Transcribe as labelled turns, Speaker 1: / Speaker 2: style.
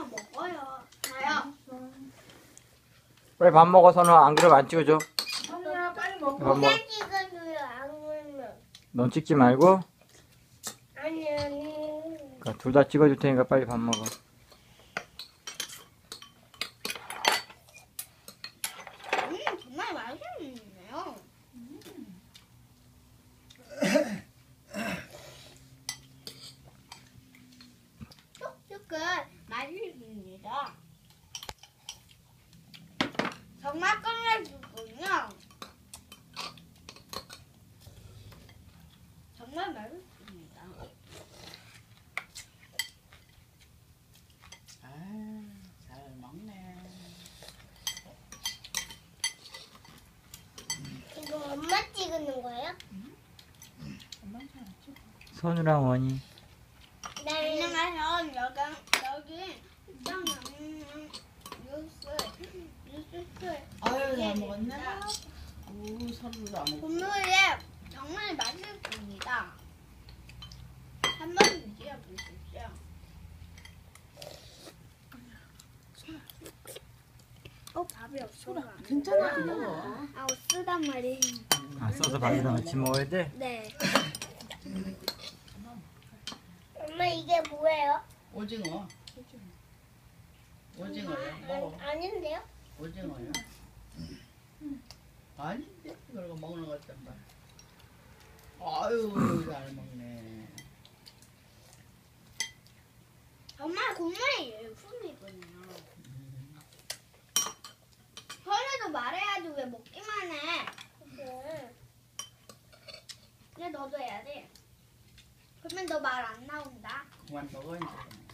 Speaker 1: 먹어요. 자요.
Speaker 2: 빨리 밥 먹어, 선우야. 안 그러면 안 찍어줘.
Speaker 3: 선우야 빨리 먹어.
Speaker 2: 밥 먹어.
Speaker 1: 찍어줘요. 안 울면.
Speaker 2: 넌 찍지 말고.
Speaker 1: 아니.
Speaker 2: 그러니까 둘 다 찍어줄 테니까 빨리 밥 먹어.
Speaker 1: 정말 맛있네요. 촉촉은 맛있습니다. 정말 끝내주군요. 정말 맛있습니다.
Speaker 3: 잘 먹네.
Speaker 1: 이거 엄마 찍는 거예요?
Speaker 3: 엄마는 잘 안 찍어.
Speaker 2: 선우랑 원이.
Speaker 1: 네. 안녕하세요. 여기 뉴스.
Speaker 3: 아유 잘 먹었네. 오 서로도 안 먹고.
Speaker 1: 국물이 정말 맛있습니다. 한 번 드셔보십시오. 밥이 없어.
Speaker 3: 괜찮아 안 먹어.
Speaker 1: 아, 쓰단 말이에요.
Speaker 2: 아, 써서 밥이랑 같이 먹어야 돼?
Speaker 1: 네. 엄마 이게 뭐예요?
Speaker 3: 오징어. 오징어요. 먹어.
Speaker 1: 아닌데요?
Speaker 3: 오징어요. 아닌데 그러고 먹는 것 같단 말. 아유 잘 먹네.
Speaker 1: 정말 국물이 일품이군요. 선우도 말해야지 왜 먹기만 해. 근데 너도 해야 돼. 그러면 너 말 안 나온다.
Speaker 3: 그만 먹어 이제.